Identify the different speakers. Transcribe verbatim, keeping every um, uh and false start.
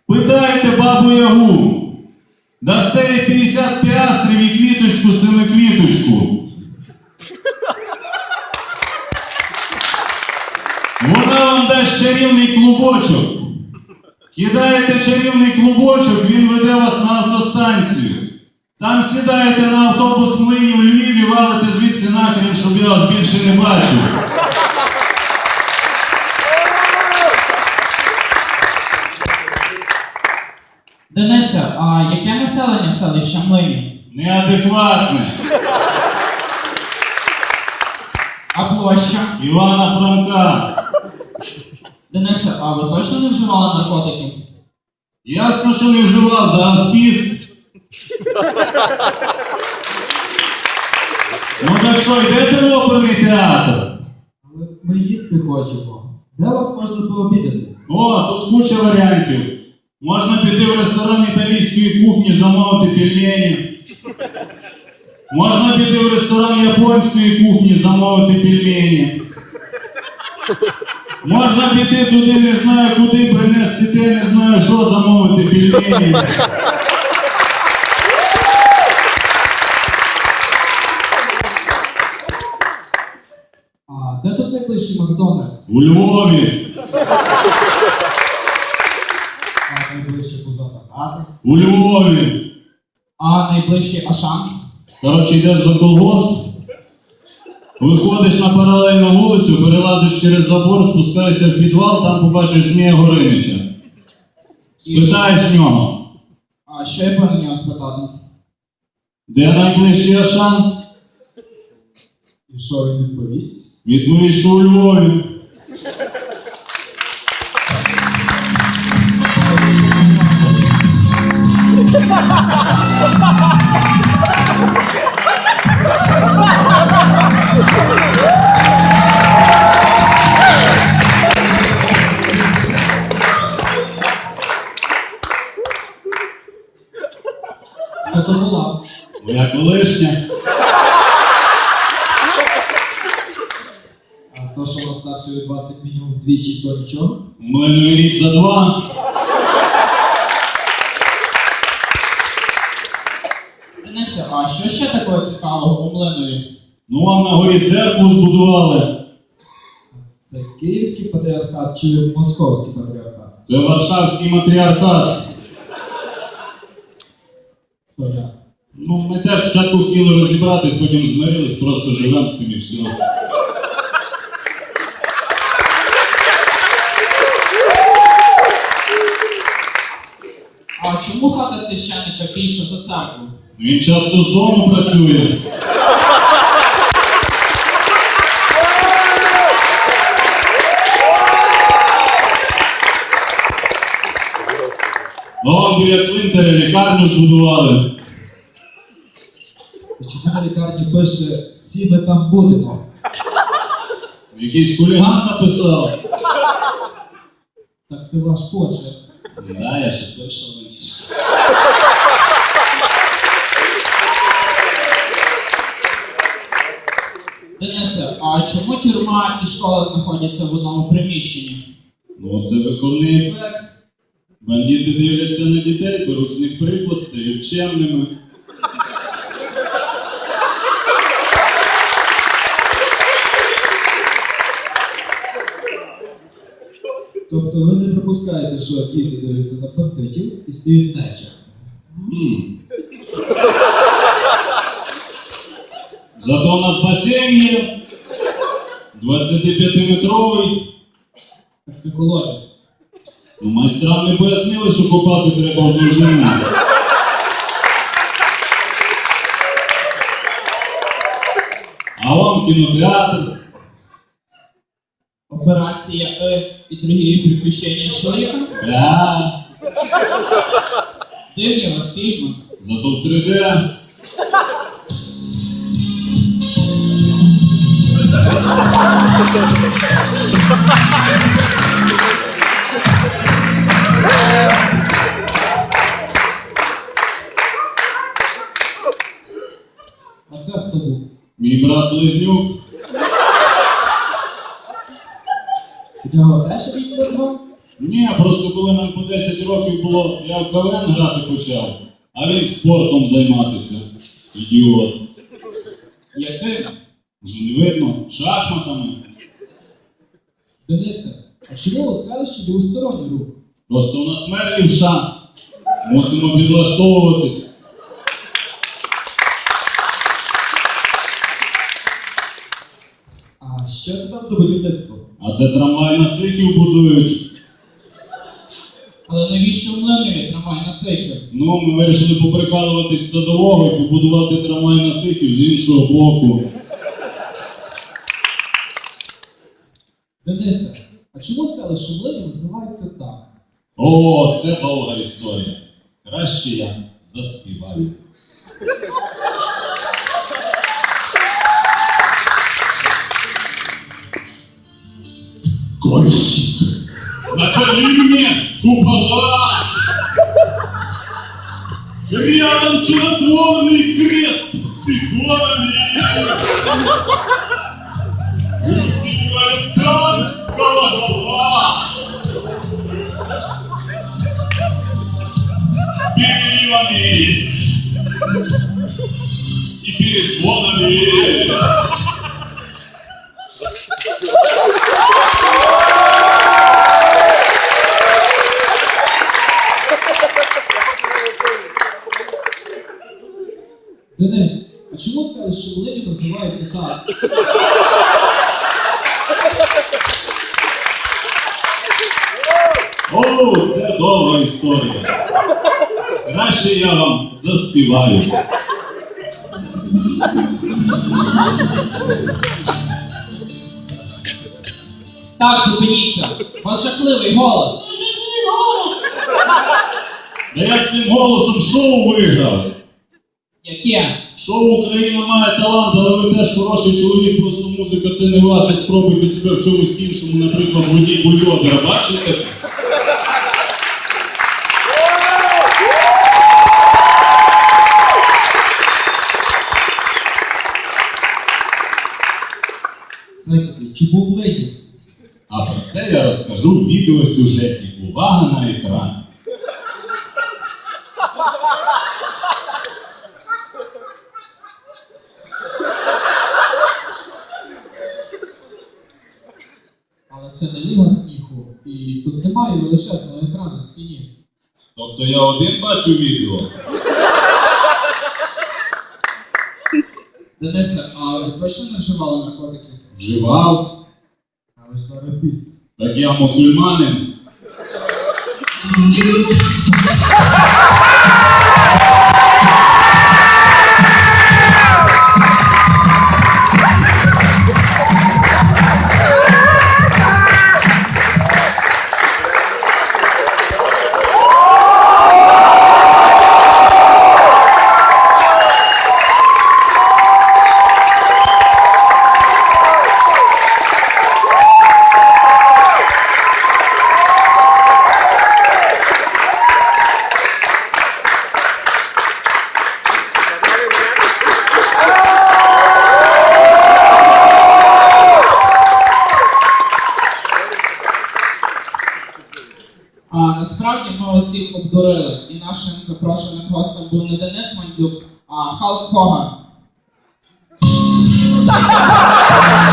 Speaker 1: Питайте бабу Ягу. Дасте їй п'ятдесят піастрів і квіточку, семиквіточку. Вона вам дасть чарівний клубочок. Кидаєте чарівний клубочок, він веде вас на автостанцію. Там сідаєте на автобус Млинів в Львів і валите звідси нахрен, щоб я вас більше не бачив.
Speaker 2: Денисе, а яке населення селища Млинів?
Speaker 1: Неадекватне.
Speaker 2: А площа?
Speaker 1: Івана Франка.
Speaker 2: Денисе, а ви точно не вживали наркотиків?
Speaker 1: Ясно, що не вживав, за аспіст. Ну так що, йдете в оперний театр?
Speaker 3: Але ми їсти хочемо. Де вас можна пообідати?
Speaker 1: О, тут куча варіантів. Можна піти в ресторан італійської кухні, замовити пельмені. Можна піти в ресторан японської кухні, замовити пельмені. Можна піти туди, не знаю куди, принести те, не знаю що, замовити пельмені.
Speaker 3: А де тут найближчий Макдональдс?
Speaker 1: У Львові.
Speaker 3: А найближче позаду хати?
Speaker 1: У Львові.
Speaker 2: А найближчий Ашан?
Speaker 1: Коротше, йдеш за колгосп, виходиш на паралельну вулицю, перелазиш через забор, спускаєшся в підвал, там побачиш Змія Горинича. Спитаєш нього,
Speaker 2: А що я повинен нього спитати?
Speaker 1: де найближчий Ашан?
Speaker 3: І що він відповість?
Speaker 1: Відповість, що у Львові.
Speaker 2: Хто то була?
Speaker 1: Моя колишня.
Speaker 3: А то, що вона старше від вас як мінімум вдвічі, то нічого?
Speaker 1: У мене новий рік за два.
Speaker 2: Денисе, а що ще такого цікавого у Млинові?
Speaker 1: Ну вам на горі церкву збудували.
Speaker 3: Це Київський патріархат чи Московський патріархат?
Speaker 1: Це Варшавський матріархат.
Speaker 3: То як?
Speaker 1: Ну, ми теж спочатку хотіли розібратись, потім змирились, просто живемо з тим і все.
Speaker 2: А чому хата священника більша за церкву?
Speaker 1: Він часто з дому працює. Вон біля цвинтаря лікарню збудували.
Speaker 3: І чому на лікарні пише «Всі ми там будемо»?
Speaker 1: Якийсь хуліган написав.
Speaker 3: Так це ваш почерк.
Speaker 1: Да, я ще пишу раніше.
Speaker 2: Денисе, а чому тюрма і школа знаходяться в одному приміщенні?
Speaker 1: Ну, це виховний ефект. Бандити дивляться на дітей, беруть з них приклад, стають чемними.
Speaker 3: Тобто ви не припускаєте, що діти дивляться на бандитів і стають нечем?
Speaker 1: М. Зато у нас басейн є. двадцятип'ятиметровий.
Speaker 2: Так це колодязь.
Speaker 1: Ну, майстрам не пояснили, що копати треба в довжину. А вам кінотеатр.
Speaker 2: Операція «Е» і другі приключення Шуріка.
Speaker 1: Да.
Speaker 2: Дивні у вас фільми.
Speaker 1: Зато в три де.
Speaker 3: А це хто був?
Speaker 1: Мій брат-близнюк.
Speaker 3: У нього теж рік за два?
Speaker 1: Ні, просто коли коли нам по десять років було, я в КВН грати почав, а він спортом займатися. Ідіот.
Speaker 2: Яким?
Speaker 1: Вже не видно, шахматами.
Speaker 3: Денисе, а чому у селищі двосторонній рух?
Speaker 1: Просто у нас мер лівша. Мусимо підлаштовуватись.
Speaker 3: А що це там за будівництво?
Speaker 1: А це трамвай на Сихів будують.
Speaker 2: Але навіщо в Млинові трамвай на Сихів?
Speaker 1: Ну, ми вирішили поприкалуватись з садового і побудувати трамвай на Сихів з іншого боку.
Speaker 3: Денисе, а чому селище Млинів називається так?
Speaker 1: О, це довга історія. Краще я заспіваю. Кольщик, наколи мне купола, рядом чудотворный крест с иконами. Устремляет как колокола с переливами и перезвонами.
Speaker 3: Денис, а чому селище Млинів називається так?
Speaker 1: О, це довга історія. Краще я вам заспіваю.
Speaker 2: Так, зупиніться. У вас жахливий голос.
Speaker 1: Да я з цим голосом шоу виграв.
Speaker 2: Яке?
Speaker 1: Шоу «Україна має талант», але ви теж хороший чоловік, просто музика це не ваше. Спробуйте себе в чомусь іншому, наприклад, водій бульдозера, бачите?
Speaker 3: Все-таки, чому Млинів?
Speaker 1: А про це я розкажу в відеосюжеті. Увага на екран.
Speaker 3: Але це не ліга сміху, і тут немає величезного екрану на стіні.
Speaker 1: Тобто я один бачу відео?
Speaker 2: Денисе, а ви точно не вживали наркотики?
Speaker 1: Вживав?
Speaker 3: Але ж зараз піст.
Speaker 1: Так я мусульманин.
Speaker 2: А насправді ми усіх обдурили. І нашим запрошеним гостем був не Денис Мандзюк, а Халк Хоган.